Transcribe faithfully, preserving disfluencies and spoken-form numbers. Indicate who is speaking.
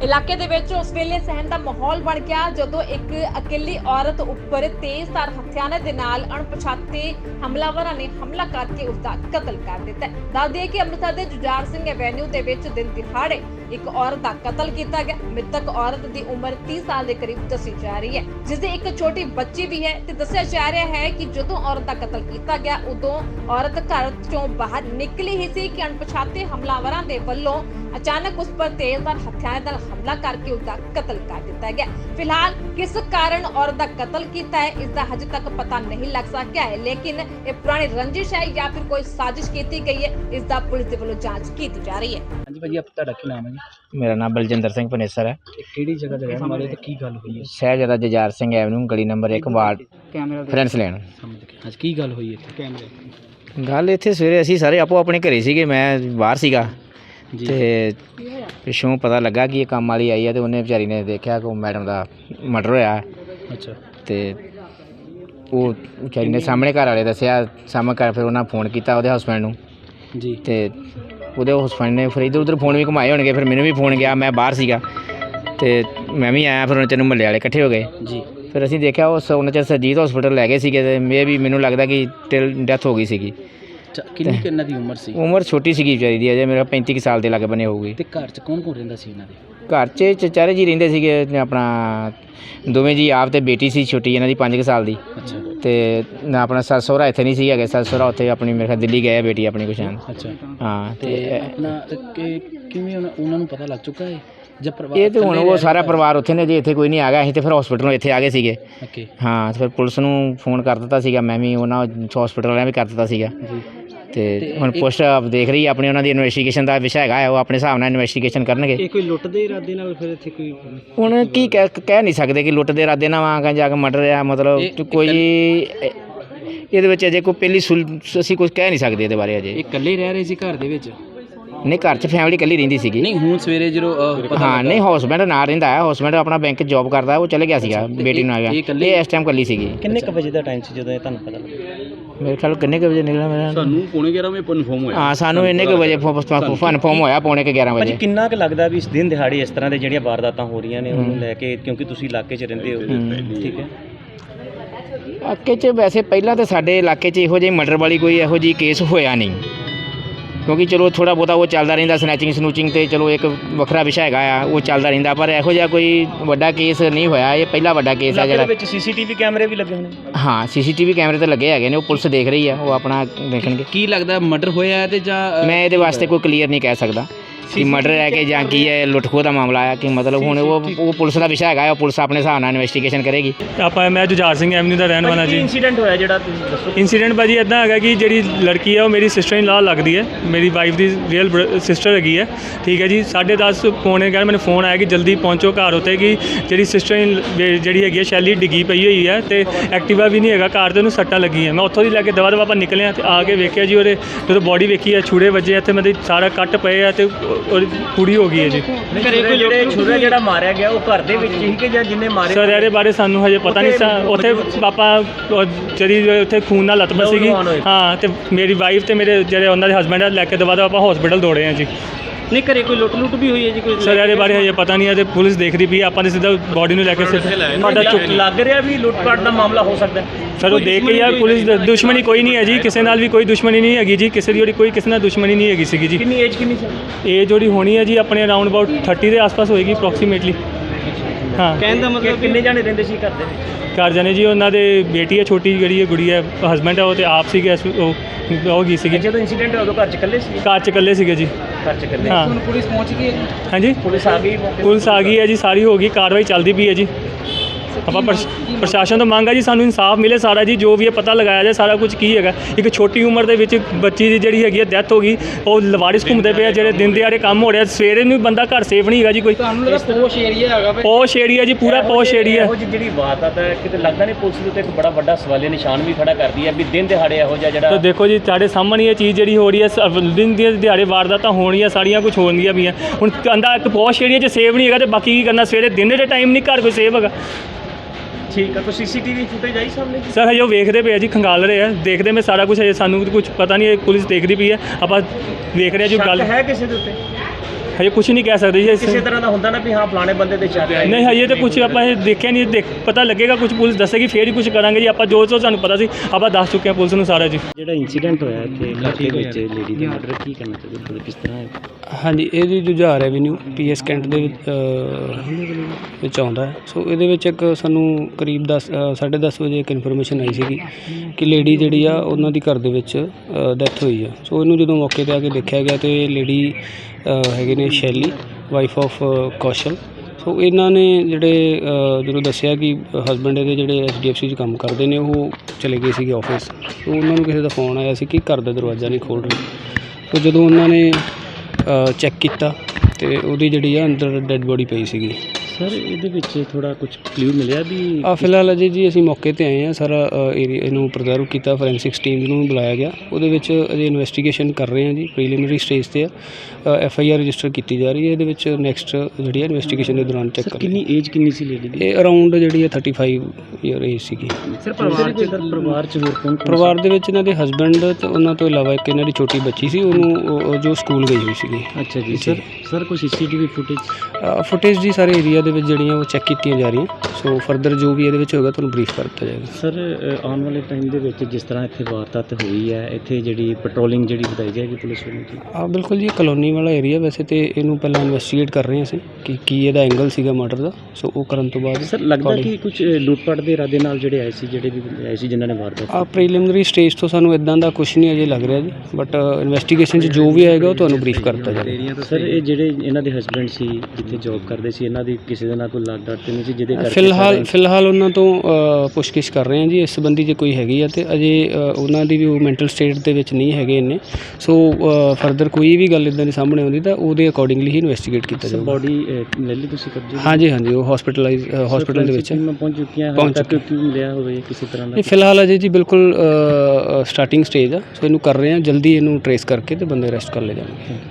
Speaker 1: ਇਲਾਕੇ ਦੇ ਵਿੱਚ ਉਸ ਵੇਲੇ ਸਹਿਮ ਦਾ ਮਾਹੌਲ ਬਣ ਗਿਆ ਜਦੋਂ ਇੱਕ ਇਕੱਲੀ ਔਰਤ ਉੱਪਰ ਤੇਜ਼ਧਾਰ ਹਥਿਆਰਾਂ ਦੇ ਨਾਲ ਅਣਪਛਾਤੇ ਹਮਲਾਵਰਾਂ ਨੇ ਹਮਲਾ ਕਰਕੇ ਉਸ ਦਾ ਕਤਲ ਕਰ ਦਿੱਤਾ। ਦੱਸ ਦਈਏ ਕਿ ਅੰਮ੍ਰਿਤਸਰ ਦੇ ਜੁਝਾਰ ਸਿੰਘ ਐਵੇਨਿਊ ਦੇ ਵਿੱਚ ਦਿਨ ਦਿਹਾੜੇ ਇੱਕ ਔਰਤ ਦਾ ਕਤਲ ਕੀਤਾ ਗਿਆ। ਮ੍ਰਿਤਕ ਔਰਤ ਦੀ ਉਮਰ तीस ਸਾਲ ਦੇ ਕਰੀਬ ਦੱਸੀ ਜਾ ਰਹੀ ਹੈ, ਜਿਸ ਦੀ ਇੱਕ ਛੋਟੀ ਬੱਚੀ ਵੀ ਹੈ ਤੇ ਦੱਸਿਆ ਜਾ ਰਿਹਾ ਹੈ ਕਿ ਜਦੋਂ ਔਰਤ ਦਾ ਕਤਲ ਕੀਤਾ ਗਿਆ ਉਦੋਂ ਔਰਤ ਘਰ ਚੋਂ ਬਾਹਰ ਨਿਕਲੀ ਹੀ ਸੀ ਕਿ ਅਣਪਛਾਤੇ ਹਮਲਾਵਰਾਂ ਦੇ ਵੱਲੋਂ अचानक उस पर तेजधार हथियार ਨਾਲ हमला करके उसका कत्ल कर दिया गया। फिलहाल किस कारण औरत का कत्ल किया है इसका हजे तक पता नहीं लग सका है, लेकिन ये पुरानी रंजिश है या फिर कोई साजिश की गई है, इसका पुलिस के वालों जांच की जा रही है।
Speaker 2: हाँ जी भाजी, आपका क्या नाम है जी?
Speaker 3: मेरा नाम बलजिंदर सिंह पनेसर है।
Speaker 2: किहड़ी जगह ते रहने वाले ते की गल हुई है?
Speaker 3: शहजादा जुझार सिंह एवेन्यू गली नंबर एक वार्ड फ्रेंड्स लैन।
Speaker 2: आज की गल हुई है? कैमरे
Speaker 3: गल इत्थे सवेरे असीं सारे आपो अपने घरे सीगे, मैं बाहर सीगा ਤੇ ਪਿੱਛੋਂ ਪਤਾ ਲੱਗਾ ਕਿ ਇਹ ਕੰਮ ਵਾਲੀ ਆਈ ਹੈ ਤੇ ਉਹਨੇ ਵਿਚਾਰੀ ਨੇ ਦੇਖਿਆ ਕਿ ਮੈਡਮ ਦਾ ਮਰਡਰ ਹੋਇਆ।
Speaker 2: ਅੱਛਾ। ਤੇ
Speaker 3: ਉਹ ਵਿਚਾਰੀ ਨੇ ਸਾਹਮਣੇ ਘਰ ਵਾਲੇ ਦੱਸਿਆ, ਸਾਹਮਣੇ ਘਰ ਫਿਰ ਉਹਨਾਂ ਫੋਨ ਕੀਤਾ ਉਹਦੇ ਹਸਬੈਂਡ ਨੂੰ
Speaker 2: ਜੀ
Speaker 3: ਤੇ ਉਹਦੇ ਹਸਬੈਂਡ ਨੇ ਫਿਰ ਇੱਧਰ ਉੱਧਰ ਫੋਨ ਵੀ ਘੁਮਾਏ ਹੋਣਗੇ, ਫਿਰ ਮੈਨੂੰ ਵੀ ਫੋਨ ਗਿਆ, ਮੈਂ ਬਾਹਰ ਸੀਗਾ ਤੇ ਮੈਂ ਵੀ ਆਇਆ। ਫਿਰ ਉਹਨਾਂ ਚਿਰ ਨੂੰ ਮਹੱਲੇ ਵਾਲੇ ਇਕੱਠੇ ਹੋ ਗਏ
Speaker 2: ਜੀ। ਫਿਰ
Speaker 3: ਅਸੀਂ ਦੇਖਿਆ ਉਸ ਉਹਨਾਂ ਚਿਰ ਸਰਜੀਤ ਹਸਪੀਟਲ ਲੈ ਗਏ ਸੀਗੇ ਤੇ ਮੇ ਵੀ ਮੈਨੂੰ ਲੱਗਦਾ ਕਿ ਟਿਲ ਡੈਥ ਹੋ ਗਈ ਸੀਗੀ।
Speaker 2: ਕਿੰਨੀ ਕਿੰਨਾ ਦੀ ਉਮਰ ਸੀ?
Speaker 3: ਉਮਰ ਛੋਟੀ ਸੀਗੀ ਵਿਚਾਰੀ ਦੀ, ਅਜੇ ਮੇਰਾ ਪੈਂਤੀ ਕੁ ਸਾਲ ਦੇ ਲਾਗੇ ਬਣੇ ਹੋਊਗੀ।
Speaker 2: ਤੇ ਘਰ 'ਚ ਕੌਣ ਕੌਣ ਰਹਿੰਦਾ ਸੀ ਇਹਨਾਂ ਦੇ?
Speaker 3: ਘਰ 'ਚ ਚਚਾਰੇ ਜੀ ਰਹਿੰਦੇ ਸੀਗੇ, ਆਪਣਾ ਦੋਵੇਂ ਜੀ ਆਪ ਤੇ ਬੇਟੀ ਸੀ ਛੋਟੀ ਇਹਨਾਂ ਦੀ ਪੰਜ ਕੁ ਸਾਲ ਦੀ।
Speaker 2: ਅੱਛਾ।
Speaker 3: ਤੇ ਨਾ ਆਪਣਾ ਸੱਸ ਸਹੁਰਾ ਇੱਥੇ ਨਹੀਂ ਸੀ ਹੈਗੇ, ਸੱਸ ਸਹੁਰਾ ਉੱਥੇ ਆਪਣੀ ਮੇਰੇ ਖਿਆਲ ਦਿੱਲੀ ਗਏ ਬੇਟੀ ਆਪਣੀ ਕੁਛ।
Speaker 2: ਅੱਛਾ।
Speaker 3: ਹਾਂ।
Speaker 2: ਤੇ ਆਪਣਾ ਕਿਵੇਂ ਉਹਨਾਂ ਨੂੰ ਪਤਾ ਲੱਗ ਚੁੱਕਾ ਹੈ?
Speaker 3: ਇਹ ਤੇ ਹੁਣ ਉਹ ਸਾਰਾ ਪਰਿਵਾਰ ਉੱਥੇ ਨੇ ਜੀ, ਇੱਥੇ ਕੋਈ ਨਹੀਂ ਆ ਗਿਆ। ਅਸੀਂ ਤੇ ਫਿਰ ਹਸਪੀਟਲੋਂ ਇੱਥੇ ਆ ਗਏ ਸੀਗੇ।
Speaker 2: ਓਕੇ। ਹਾਂ,
Speaker 3: ਫਿਰ ਪੁਲਿਸ ਨੂੰ ਫੋਨ ਕਰ ਦਿੱਤਾ ਸੀਗਾ, ਮੈਂ ਵੀ ਉਹਨਾਂ ਹਸਪੀਟਲ ਵਾਲਿਆਂ ਵੀ ਕਰ ਦਿੱਤਾ ਸੀਗਾ। ਤੇ ਹੁਣ ਪੁਲਿਸ ਦੇਖ ਰਹੀ ਆਪਣੀ, ਉਹਨਾਂ ਦੀ ਇਨਵੈਸਟੀਗੇਸ਼ਨ ਦਾ ਵਿਸ਼ਾ ਹੈਗਾ, ਉਹ ਆਪਣੇ ਹਿਸਾਬ ਨਾਲ ਇਨਵੈਸਟੀਗੇਸ਼ਨ ਕਰਨਗੇ।
Speaker 2: ਇਹ ਕੋਈ ਲੁੱਟ ਦੇ ਇਰਾਦੇ ਨਾਲ ਫਿਰ ਇੱਥੇ ਕੋਈ
Speaker 3: ਹੁਣ ਕੀ ਕਹਿ ਕਹਿ ਨਹੀਂ ਸਕਦੇ ਕਿ ਲੁੱਟ ਦੇ ਇਰਾਦੇ ਨਾਲ ਆਂਗਾ ਜਾ ਕੇ ਮਰਡਰ ਆ, ਮਤਲਬ ਕੋਈ ਇਹਦੇ ਵਿੱਚ ਅਜੇ ਕੋਈ ਪਹਿਲੀ ਅਸੀਂ ਕੁਝ ਕਹਿ ਨਹੀਂ ਸਕਦੇ ਇਹਦੇ ਬਾਰੇ ਅਜੇ।
Speaker 2: ਇਹ ਇਕੱਲੇ ਰਹਿ ਰਹੇ ਸੀ ਘਰ ਦੇ ਵਿੱਚ?
Speaker 3: ਨਹੀਂ, ਘਰ 'ਚ ਫੈਮਿਲੀ ਇਕੱਲੀ ਰਹਿੰਦੀ ਸੀਗੀ।
Speaker 2: ਨਹੀਂ, ਹੁਣ ਸਵੇਰੇ ਜਦੋਂ
Speaker 3: ਹਾਂ ਨਹੀਂ, ਹਸਬੈਂਡ ਨਾਲ ਰਹਿੰਦਾ ਹੈ, ਹਸਬੈਂਡ ਆਪਣਾ ਬੈਂਕ ਜੋਬ ਕਰਦਾ, ਉਹ ਚਲੇ ਗਿਆ ਸੀਗਾ, ਬੇਟੀ ਨੂੰ ਆ ਗਿਆ। ਇਹ ਇਸ ਟਾਈਮ ਇਕੱਲੀ ਸੀਗੀ।
Speaker 2: ਕਿੰਨੇ ਕੁ ਵਜੇ ਦਾ ਟਾਈਮ ਸੀ ਜਦੋਂ ਇਹ ਤੁਹਾਨੂੰ ਪਤਾ ਲੱਗਾ?
Speaker 3: ਮੇਰੇ ਖਿਆਲ ਕਿੰਨੇ ਕੁ ਵਜੇ ਨਿਕਲਿਆ ਮੇਰਾ?
Speaker 2: ਸਾਨੂੰ ਪੌਣੇ ਗਿਆਰਾਂ ਵਜੇ ਕਨਫਰਮ ਹੋਇਆ। ਹਾਂ,
Speaker 3: ਸਾਨੂੰ ਇੰਨੇ ਕੁ ਵਜੇ ਕਨਫਰਮ ਹੋਇਆ, ਪੌਣੇ ਕੁ ਗਿਆਰਾਂ ਵਜੇ।
Speaker 4: ਕਿੰਨਾ ਕੁ ਲੱਗਦਾ ਵੀ ਇਸ ਦਿਨ ਦਿਹਾੜੇ ਇਸ ਤਰ੍ਹਾਂ ਦੇ ਜਿਹੜੀਆਂ ਵਾਰਦਾਤਾਂ ਹੋ ਰਹੀਆਂ ਨੇ ਉਹਨੂੰ ਲੈ ਕੇ, ਕਿਉਂਕਿ ਤੁਸੀਂ ਇਲਾਕੇ 'ਚ ਰਹਿੰਦੇ ਹੋ, ਠੀਕ ਹੈ?
Speaker 3: ਇਲਾਕੇ 'ਚ ਵੈਸੇ ਪਹਿਲਾਂ ਤਾਂ ਸਾਡੇ ਇਲਾਕੇ 'ਚ ਇਹੋ ਜਿਹੀ ਮਰਡਰ ਵਾਲੀ ਕੋਈ ਇਹੋ ਜਿਹੀ ਕੇਸ ਹੋਇਆ ਨਹੀਂ, ਕਿਉਂਕਿ ਚਲੋ ਥੋੜ੍ਹਾ ਬਹੁਤਾ ਉਹ ਚੱਲਦਾ ਰਹਿੰਦਾ, ਸਨੈਚਿੰਗ ਸਨੂਚਿੰਗ ਤੇ ਚਲੋ ਇੱਕ ਵੱਖਰਾ ਵਿਸ਼ਾ ਹੈਗਾ ਆ, ਉਹ ਚੱਲਦਾ ਰਹਿੰਦਾ, ਪਰ ਇਹੋ ਜਿਹਾ ਕੋਈ ਵੱਡਾ ਕੇਸ ਨਹੀਂ ਹੋਇਆ। ਇਹ ਪਹਿਲਾ ਵੱਡਾ ਕੇਸ ਆ ਜਿਹੜਾ।
Speaker 4: ਵਿੱਚ ਸੀਸੀਟੀਵੀ ਕੈਮਰੇ ਵੀ ਲੱਗੇ ਹੋਣੇ?
Speaker 3: ਹਾਂ, ਸੀਸੀਟੀਵੀ ਕੈਮਰੇ ਤਾਂ ਲੱਗੇ ਹੈਗੇ ਨੇ, ਉਹ ਪੁਲਿਸ ਦੇਖ ਰਹੀ ਆ, ਉਹ ਆਪਣਾ ਦੇਖਣਗੇ।
Speaker 2: ਕੀ ਲੱਗਦਾ ਮਰਡਰ ਹੋਇਆ ਤੇ ਜਾਂ?
Speaker 3: ਮੈਂ ਇਹਦੇ ਵਾਸਤੇ ਕੋਈ ਕਲੀਅਰ ਨਹੀਂ ਕਹਿ ਸਕਦਾ ਕਿ ਮਰਡਰ ਹੈ ਕਿ ਜਾਂ ਕੀ ਹੈ, ਲੁੱਟ ਖੋਹ ਦਾ ਮਾਮਲਾ ਆ ਕਿ ਮਤਲਬ ਹੁਣ ਉਹ ਉਹ ਪੁਲਿਸ ਦਾ ਵਿਸ਼ਾ ਹੈਗਾ, ਉਹ ਪੁਲਿਸ ਆਪਣੇ ਹਿਸਾਬ ਨਾਲ ਇਨਵੈਸਟੀਗੇਸ਼ਨ ਕਰੇਗੀ।
Speaker 5: ਆਪਾਂ ਮੈਂ ਜੁਝਾਰ ਸਿੰਘ ਐਵਨਿਊ ਦਾ ਰਹਿਣ ਵਾਲਾ ਜੀ।
Speaker 4: ਇਨਸੀਡੈਂਟ ਹੋਇਆ ਜਿਹੜਾ ਤੁਸੀਂ ਦੱਸੋ?
Speaker 5: ਇਨਸੀਡੈਂਟ ਭਾਜੀ ਇੱਦਾਂ ਹੈਗਾ ਕਿ ਜਿਹੜੀ ਲੜਕੀ ਹੈ ਉਹ ਮੇਰੀ ਸਿਸਟਰ ਇਨ ਲਾ ਲੱਗਦੀ ਹੈ, ਮੇਰੀ ਵਾਈਫ ਦੀ ਰੀਅਲ ਸਿਸਟਰ ਹੈਗੀ ਹੈ, ਠੀਕ ਹੈ ਜੀ। ਸਾਢੇ ਦਸ ਪੌਣੇ ਘਰ ਮੈਨੂੰ ਫੋਨ ਆਇਆ ਕਿ ਜਲਦੀ ਪਹੁੰਚੋ ਘਰ ਉੱਤੇ, ਕਿ ਜਿਹੜੀ ਸਿਸਟਰ ਇਨ ਜਿਹੜੀ ਹੈਗੀ ਹੈ ਸ਼ੈਲੀ ਡਿੱਗੀ ਪਈ ਹੋਈ ਹੈ ਤੇ ਐਕਟਿਵਾ ਵੀ ਨਹੀਂ ਹੈਗਾ ਘਰ, ਤੇ ਉਹਨੂੰ ਸੱਟਾਂ ਲੱਗੀਆਂ। ਮੈਂ ਉੱਥੋਂ ਦੀ ਲੈ ਕੇ ਦਵਾ ਦਵਾ ਆਪਾਂ ਨਿਕਲੇ ਤੇ ਆ ਕੇ ਵੇਖਿਆ ਜੀ ਉਹਦੇ ਜਦੋਂ ਬੋਡੀ ਵੇਖੀ ਹੈ, ਛੁਰੇ ਵੱਜੇ ਇੱਥੇ, ਮਤਲਬ ਸਾਰਾ ਕੱਟ ਪਏ ਆ ਤੇ ਉਹਦੀ ਪੂਰੀ ਹੋ ਗਈ ਹੈ ਜੀ।
Speaker 4: ਘਰੇ ਕੋਈ ਜਿਹੜੇ ਛੁਰਾ ਜਿਹੜਾ ਮਾਰਿਆ ਗਿਆ ਉਹ ਘਰ ਦੇ ਵਿੱਚ ਹੀ ਕਿ ਜਾਂ ਜਿੰਨੇ ਮਾਰੇ?
Speaker 5: ਸਰ ਇਹਦੇ ਬਾਰੇ ਸਾਨੂੰ ਹਜੇ ਪਤਾ ਨਹੀਂ ਸਾ। ਉੱਥੇ ਪਾਪਾ ਜਿਹੜੀ ਉੱਥੇ ਖੂਨ ਨਾਲ ਲੱਤਪੱਤ ਸੀਗੀ। ਹਾਂ, ਤੇ ਮੇਰੀ ਵਾਈਫ ਤੇ ਮੇਰੇ ਜਿਹੜੇ ਉਹਨਾਂ ਦੇ ਹਸਬੈਂਡ ਆ ਲੈ ਕੇ ਦਵਾ ਦਵਾ ਆਪਾਂ ਹਸਪੀਟਲ ਦੌੜੇ ਹਾਂ ਜੀ।
Speaker 4: ਨਹੀਂ, ਘਰੇ ਕੋਈ ਲੁੱਟ ਲੁੱਟ ਵੀ ਹੋਈ ਹੈ ਜੀ ਕੋਈ?
Speaker 5: ਸਰ ਇਹਦੇ ਬਾਰੇ ਹਜੇ ਪਤਾ ਨਹੀਂ ਹੈ ਤੇ ਪੁਲਿਸ ਦੇਖਦੀ ਪਈ, ਆਪਾਂ ਨੇ ਸਿੱਧਾ ਬੋਡੀ ਨੂੰ ਲੈ ਕੇ
Speaker 4: ਤੁਹਾਡਾ ਚੁੱਕ ਲੱਗ ਰਿਹਾ ਵੀ ਲੁੱਟਪਾਟ ਦਾ ਮਾਮਲਾ ਹੋ ਸਕਦਾ?
Speaker 5: ਸਰ ਉਹ ਦੇਖ ਕੇ ਯਾਰ, ਪੁਲਿਸ ਦੁਸ਼ਮਣੀ ਕੋਈ ਨਹੀਂ ਹੈ ਜੀ, ਕਿਸੇ ਨਾਲ ਵੀ ਕੋਈ ਦੁਸ਼ਮਣੀ ਨਹੀਂ ਹੈਗੀ ਜੀ, ਕਿਸੇ ਦੀ ਜਿਹੜੀ ਕੋਈ ਕਿਸੇ ਨਾਲ ਦੁਸ਼ਮਣੀ ਨਹੀਂ ਹੈਗੀ ਸੀਗੀ ਜੀ।
Speaker 4: ਕਿੰਨੀ ਏਜ ਕਿੰਨੀ ਸੀ?
Speaker 5: ਏਜ ਜਿਹੜੀ ਹੋਣੀ ਹੈ ਜੀ ਆਪਣੇ ਅਰਾਊਂਡ ਅਬਾਊਟ ਥਰਟੀ ਦੇ ਆਸ-ਪਾਸ ਹੋਏਗੀ ਅਪਰੋਕਸੀਮੇਟਲੀ। ਹਾਂ,
Speaker 4: ਕਹਿਣ ਦਾ ਮਤਲਬ ਕਿੰਨੇ ਜਾਣੇ ਰਹਿੰਦੇ ਸੀ ਘਰ ਦੇ ਵਿੱਚ?
Speaker 5: ਘਰ ਜਾਣੇ ਜੀ ਉਹਨਾਂ ਦੇ ਬੇਟੀ ਹੈ ਛੋਟੀ ਜਿਹੜੀ ਹੈ ਗੁੜੀ ਹੈ, ਹਸਬੈਂਡ ਹੈ ਉਹ ਤੇ ਆਪ ਸੀਗੇ, ਉਹ ਉਹ ਗਈ ਸੀਗੀ।
Speaker 4: ਜਦੋਂ ਇਨਸੀਡੈਂਟ ਹੋਇਆ ਉਦੋਂ ਘਰ 'ਚ ਇਕੱਲੇ ਸੀ?
Speaker 5: ਘਰ 'ਚ ਇਕੱਲੇ ਸੀਗੇ ਜੀ।
Speaker 4: ਘਰ 'ਚ ਇਕੱਲੇ।
Speaker 5: ਹਾਂ।
Speaker 2: ਹੁਣ ਪੁਲਿਸ ਪਹੁੰਚ ਗਈ ਹੈ?
Speaker 5: ਹਾਂਜੀ,
Speaker 4: ਪੁਲਿਸ ਆ ਗਈ?
Speaker 5: ਪੁਲਿਸ ਆ ਗਈ ਹੈ ਜੀ, ਸਾਰੀ ਹੋ ਗਈ, ਕਾਰਵਾਈ ਚੱਲਦੀ ਪਈ ਹੈ ਜੀ। ਆਪਾਂ ਪ੍ਰਸ਼ਾਸਨ ਤੋਂ ਮੰਗ ਹੈ ਜੀ ਸਾਨੂੰ ਇਨਸਾਫ ਮਿਲੇ ਸਾਰਾ ਜੀ, ਜੋ ਵੀ ਇਹ ਪਤਾ ਲਗਾਇਆ ਜਾਏ ਸਾਰਾ ਕੁਝ ਕੀ ਹੈਗਾ। ਇੱਕ ਛੋਟੀ ਉਮਰ ਦੇ ਵਿੱਚ ਬੱਚੀ ਦੀ ਜਿਹੜੀ ਹੈਗੀ ਹੈ ਡੈਥ ਹੋ ਗਈ, ਉਹ ਲਵਾਰਿਸ ਘੁੰਮਦੇ ਪਏ ਆ, ਜਿਹੜੇ ਦਿਨ ਦਿਹਾੜੇ ਕੰਮ ਹੋ ਰਿਹਾ, ਸਵੇਰੇ ਨੂੰ ਬੰਦਾ ਘਰ ਸੇਫ ਨਹੀਂ ਹੈਗਾ ਜੀ। ਕੋਈ
Speaker 4: ਪੋਸ਼ ਏਰੀਆ ਹੈਗਾ?
Speaker 5: ਪੋਸ਼ ਏਰੀਆ ਜੀ, ਪੂਰਾ ਪੋਸ਼ ਏਰੀਆ।
Speaker 4: ਜਿਹੜੀ ਬਾਤ ਹੈ ਕਿਤੇ ਲੱਗਦਾ ਨਹੀਂ ਪੁਲਿਸ ਦੇ ਉੱਤੇ ਇੱਕ ਬੜਾ ਵੱਡਾ ਸਵਾਲੀਆ ਨਿਸ਼ਾਨ ਵੀ ਖੜਾ ਕਰਦੀ ਹੈ ਵੀ ਦਿਨ ਦਿਹਾੜੇ ਇਹੋ ਜਿਹਾ ਜਿਹੜਾ।
Speaker 5: ਤਾਂ ਦੇਖੋ ਜੀ ਸਾਡੇ ਸਾਹਮਣੇ ਇਹ ਚੀਜ਼ ਜਿਹੜੀ ਹੋ ਰਹੀ ਹੈ, ਦਿਨ ਦੇ ਦਿਹਾੜੇ ਵਾਰਦਾਤਾਂ ਹੋਣੀਆਂ ਸਾਰੀਆਂ ਕੁਝ ਹੋਣਗੀਆਂ ਵੀ ਆ। ਹੁਣ ਕਹਿੰਦਾ ਇੱਕ ਪੋਸ਼ ਏਰੀਆ 'ਚ ਸੇਫ ਨਹੀਂ ਹੈਗਾ ਤੇ ਬਾਕੀ ਕੀ ਕਰਨਾ, ਸਵੇਰੇ ਦਿਨ ਦੇ ਟਾਈਮ ਨਹੀਂ ਘਰ ਕੋਈ ਸੇਫ ਹੈਗਾ।
Speaker 4: ਠੀਕ ਹੈ, ਕੋਈ ਸੀਸੀਟੀਵੀ ਫੁਟੇਜ ਆਈ ਸਾਹਮਣੇ?
Speaker 5: ਸਰ ਹਜੇ ਉਹ ਵੇਖਦੇ ਪਏ ਆ ਜੀ, ਖੰਗਾਲ ਰਹੇ ਆ, ਦੇਖਦੇ ਮੈਂ ਸਾਰਾ ਕੁਝ, ਹਜੇ ਸਾਨੂੰ ਕੁਝ ਪਤਾ ਨਹੀਂ, ਪੁਲਿਸ ਦੇਖਦੀ ਪਈ ਹੈ, ਆਪਾਂ ਵੇਖ ਰਹੇ ਜੀ। ਗੱਲ
Speaker 4: ਹੈ ਕਿਸੇ ਦੇ ਉੱਤੇ?
Speaker 5: ਹਜੇ ਕੁਝ ਨਹੀਂ ਕਹਿ ਸਕਦੇ ਜੀ ਇਸ
Speaker 4: ਕਿਸੇ ਤਰ੍ਹਾਂ ਦਾ ਹੁੰਦਾ ਨਾ ਵੀ ਹਾਂ ਫਲਾਣੇ ਬੰਦੇ ਦੇ ਸ਼ੱਕ ਹੈ।
Speaker 5: ਨਹੀਂ ਹਜੇ ਤਾਂ ਕੁਝ ਆਪਾਂ ਇਹ ਦੇਖਿਆ ਨਹੀਂ, ਦੇਖ ਪਤਾ ਲੱਗੇਗਾ, ਕੁਝ ਪੁਲਿਸ ਦੱਸੇਗੀ ਫੇਰ ਹੀ ਕੁਝ ਕਰਾਂਗੇ ਜੀ। ਆਪਾਂ ਜੋ ਜੋ ਸਾਨੂੰ ਪਤਾ ਸੀ ਆਪਾਂ ਦੱਸ ਚੁੱਕੇ ਹਾਂ ਪੁਲਿਸ ਨੂੰ ਸਾਰਾ ਜੀ।
Speaker 4: ਜਿਹੜਾ ਇੰਸੀਡੈਂਟ ਹੋਇਆ ਇੱਥੇ ਇਲਾਕੇ ਵਿੱਚ ਲੇਡੀ ਦਾ ਮਰਡਰ, ਕੀ ਕਰਨਾ ਚਾਹੀਦਾ, ਕਿਸ ਤਰ੍ਹਾਂ ਹੈ?
Speaker 2: ਹਾਂਜੀ, ਇਹ ਜੀ Jujhar avenue P S cantt ਦੇ ਵਿੱਚ ਅ, ਵਿੱਚ ਆਉਂਦਾ ਹੈ। ਸੋ ਇਹਦੇ ਵਿੱਚ ਇੱਕ ਸਾਨੂੰ ਕਰੀਬ ਦਸ ਸਾਢੇ ਦਸ ਵਜੇ ਇੱਕ ਇਨਫੋਰਮੇਸ਼ਨ ਆਈ ਸੀਗੀ ਕਿ ਲੇਡੀ ਜਿਹੜੀ ਆ ਉਹਨਾਂ ਦੀ ਘਰ ਦੇ ਵਿੱਚ ਡੈਥ ਹੋਈ ਆ। ਸੋ ਇਹਨੂੰ ਜਦੋਂ ਮੌਕੇ 'ਤੇ ਆ ਕੇ ਦੇਖਿਆ ਗਿਆ ਤੇ ਲੇਡੀ ਹੈਗੇ ਨੇ ਸ਼ੈਲੀ, ਵਾਈਫ ਆਫ ਕੌਸ਼ਲ। ਸੋ ਇਹਨਾਂ ਨੇ ਜਿਹੜੇ ਅ, ਜਦੋਂ ਦੱਸਿਆ ਕਿ ਹਸਬੈਂਡ ਇਹਦੇ ਜਿਹੜੇ ਐਚ ਡੀ ਐਫ ਸੀ 'ਚ ਕੰਮ ਕਰਦੇ ਨੇ, ਉਹ ਚਲੇ ਗਏ ਸੀਗੇ ਆਫਿਸ। ਸੋ ਉਹਨਾਂ ਨੂੰ ਕਿਸੇ ਦਾ ਫੋਨ ਆਇਆ ਸੀ ਕਿ ਘਰ ਦਾ ਦਰਵਾਜ਼ਾ ਨਹੀਂ ਖੋਲ੍ਹ ਰਹੇ। ਸੋ ਜਦੋਂ ਉਹਨਾਂ ਨੇ ਚੈੱਕ ਕੀਤਾ ਤੇ ਉਹਦੀ ਜਿਹੜੀ ਆ ਅੰਦਰ ਡੈੱਡ ਬੋਡੀ ਪਈ ਸੀਗੀ।
Speaker 4: ਸਰ ਇਹਦੇ ਵਿੱਚ ਥੋੜਾ ਕੁਝ ਕਲੂ ਮਿਲਿਆ ਵੀ?
Speaker 2: ਆ ਫਿਲਹਾਲ ਅਜੇ ਜੀ ਅਸੀਂ ਮੌਕੇ 'ਤੇ ਆਏ ਹਾਂ, ਸਾਰਾ ਏਰੀਆ ਇਹਨੂੰ ਪ੍ਰੀਜ਼ਰਵ ਕੀਤਾ, ਫੋਰੈਂਸਿਕਸ ਟੀਮ ਨੂੰ ਬੁਲਾਇਆ ਗਿਆ। ਉਹਦੇ ਵਿੱਚ ਅਜੇ ਇਨਵੈਸਟੀਗੇਸ਼ਨ ਕਰ ਰਹੇ ਹਾਂ ਜੀ, ਪ੍ਰੀਲਿਮਿਨਰੀ ਸਟੇਜ 'ਤੇ ਆ। ਐਫ ਆਈ ਆਰ ਰਜਿਸਟਰ ਕੀਤੀ ਜਾ ਰਹੀ ਹੈ। ਇਹਦੇ ਵਿੱਚ ਨੈਕਸਟ ਜਿਹੜੀ ਹੈ ਇਨਵੈਸਟੀਗੇਸ਼ਨ ਦੇ ਦੌਰਾਨ ਚੈੱਕ ਕਰ
Speaker 4: ਕਿੰਨੀ ਏਜ ਕਿੰਨੀ ਸੀ ਲੇਡੀ ਦੀ?
Speaker 2: ਇਹ ਅਰਾਊਂਡ ਜਿਹੜੀ ਹੈ ਥਰਟੀ ਫਾਈਵ ਈਅਰ ਏਜ ਸੀਗੀ।
Speaker 4: ਸਰ ਪਰਿਵਾਰ ਚ ਪਰਿਵਾਰ ਚ ਹੋਰ ਕੌਣ?
Speaker 2: ਪਰਿਵਾਰ ਦੇ ਵਿੱਚ ਇਹਨਾਂ ਦੇ ਹਸਬੈਂਡ ਤੇ ਉਹਨਾਂ ਤੋਂ ਇਲਾਵਾ ਇੱਕ ਇਹਨਾਂ ਦੀ ਛੋਟੀ ਬੱਚੀ ਸੀ, ਉਹਨੂੰ ਉਹ- ਜੋ ਸਕੂਲ ਗਈ ਹੋਈ ਸੀਗੀ।
Speaker 4: ਅੱਛਾ ਜੀ। ਸਰ ਸਰ ਕੋਈ C C T V footage
Speaker 2: footage ਜੀ ਸਾਰੇ ਏਰੀਆ ਦੇ ਵਿੱਚ ਜਿਹੜੀਆਂ ਉਹ ਚੈੱਕ ਕੀਤੀਆਂ ਜਾ ਰਹੀਆਂ। ਸੋ ਫਰਦਰ ਜੋ ਵੀ ਇਹਦੇ ਵਿੱਚ ਹੋਏਗਾ ਤੁਹਾਨੂੰ ਬਰੀਫ ਕਰ ਦਿੱਤਾ ਜਾਏਗਾ।
Speaker 4: ਸਰ ਅ, ਆਉਣ ਵਾਲੇ ਟਾਈਮ ਦੇ ਵਿੱਚ ਜਿਸ ਤਰ੍ਹਾਂ ਇੱਥੇ ਵਾਰਦਾਤ ਹੋਈ ਹੈ, ਇੱਥੇ ਜਿਹੜੀ ਪੈਟਰੋਲਿੰਗ ਜਿਹੜੀ ਵਧਾਈ ਜਾਏਗੀ ਪੁਲਿਸ ਵੱਲੋਂ ਜੀ?
Speaker 2: ਆ ਬਿਲਕੁਲ ਜੀ, ਕਲੋਨੀ ਵਾਲਾ ਏਰੀਆ ਵੈਸੇ ਤੇ ਇਹਨੂੰ ਪਹਿਲਾਂ ਇਨਵੈਸਟੀਗੇਟ ਕਰ ਰਹੇ ਹਾਂ ਅਸੀਂ ਕਿ ਕੀ ਇਹਦਾ ਐਂਗਲ ਸੀਗਾ ਮਰਡਰ ਦਾ। ਸੋ ਉਹ ਕਰਨ ਤੋਂ ਬਾਅਦ
Speaker 4: ਸਰ ਲੱਗਦਾ ਕਿ ਕੁਝ ਲੁੱਟਪਟ ਦੇ ਇਰਾਦੇ ਨਾਲ ਜਿਹੜੇ ਆਏ ਸੀ, ਜਿਹੜੇ ਵੀ ਆਏ ਸੀ ਜਿਨ੍ਹਾਂ ਨੇ ਵਾਰਦਾਤ
Speaker 2: ਆ ਪ੍ਰੀਲਿਮਿਨਰੀ ਸਟੇਜ ਤੋਂ ਸਾਨੂੰ ਇਦਾਂ ਦਾ ਕੁਝ ਨਹੀਂ ਅਜੇ ਲੱਗ ਰਿਹਾ ਜੀ, ਬਟ ਇਨਵੈਸਟੀਗੇਸ਼ਨ 'ਚ ਜੋ ਵੀ ਆਏਗਾ ਉਹ ਤੁਹਾਨੂੰ ਬਰੀਫ ਕਰ ਦਿੱਤਾ ਜਾਏਗਾ।
Speaker 4: ਸਰ ਇਹ ਜਿਹੜੇ ਇਹਨਾਂ ਦੇ ਹਸਬੈਂਡ ਸੀ ਜਿੱਥੇ ਜੌਬ ਕਰਦੇ ਸੀ, ਇਹਨਾਂ ਦੀ ਕਿਸੇ ਦੇ ਨਾਲ ਕੋਈ ਲੱਗ ਡਾਟ ਤੇ ਨਹੀਂ ਸੀ ਜਿਹਦੇ ਕਰਕੇ?
Speaker 2: ਫਿਲਹਾਲ ਫਿਲਹਾਲ ਉਹਨਾਂ ਤੋਂ ਅ, ਪੁੱਛਗਿੱਛ ਕਰ ਰਹੇ ਹਾਂ ਜੀ ਇਸ ਸੰਬੰਧੀ, ਜੇ ਕੋਈ ਹੈਗੀ ਆ ਤੇ ਅਜੇ ਅ, ਉਹਨਾਂ ਦੀ ਵੀ ਉਹ ਮੈਂਟਲ ਸਟੇਟ ਦੇ ਵਿੱਚ ਨਹੀਂ ਹੈਗੇ ਇੰਨੇ। ਸੋ ਫਰਦਰ ਕੋਈ ਵੀ ਗੱਲ ਇਦਾਂ ਦੀ ਸਾਹਮਣੇ ਆਉਂਦੀ ਤਾਂ ਉਹਦੇ ਅਕੋਰਡਿੰਗਲੀ ਹੀ ਇਨਵੈਸਟੀਗੇਟ ਕੀਤਾ ਜਾਊਗਾ।
Speaker 4: ਬੋਡੀ ਲੈ ਲਈ ਤੁਸੀਂ ਕਬਜ਼ੇ?
Speaker 2: ਹਾਂਜੀ ਹਾਂਜੀ, ਉਹ ਹਸਪੀਟਲਾਈਜ਼ ਹਸਪੀਟਲ ਦੇ ਵਿੱਚ
Speaker 4: ਮੈਂ ਪਹੁੰਚ ਚੁੱਕੀਆਂ ਹਾਂ।
Speaker 2: ਪਹੁੰਚ
Speaker 4: ਤੱਕ ਕੀ ਮਿਲਿਆ ਹੋਵੇ ਕਿਸੇ ਤਰ੍ਹਾਂ ਦਾ?
Speaker 2: ਇਹ ਫਿਲਹਾਲ ਅਜੇ ਜੀ ਬਿਲਕੁਲ ਸਟਾਰਟਿੰਗ ਸਟੇਜ ਆ। ਸੋ ਇਹਨੂੰ ਕਰ ਰਹੇ ਹਾਂ, ਜਲਦੀ ਇਹਨੂੰ ਟਰੇਸ ਕਰਕੇ ਤੇ ਬੰਦੇ ਅਰੈਸਟ ਕਰ ਲਏ ਜਾਣਗੇ।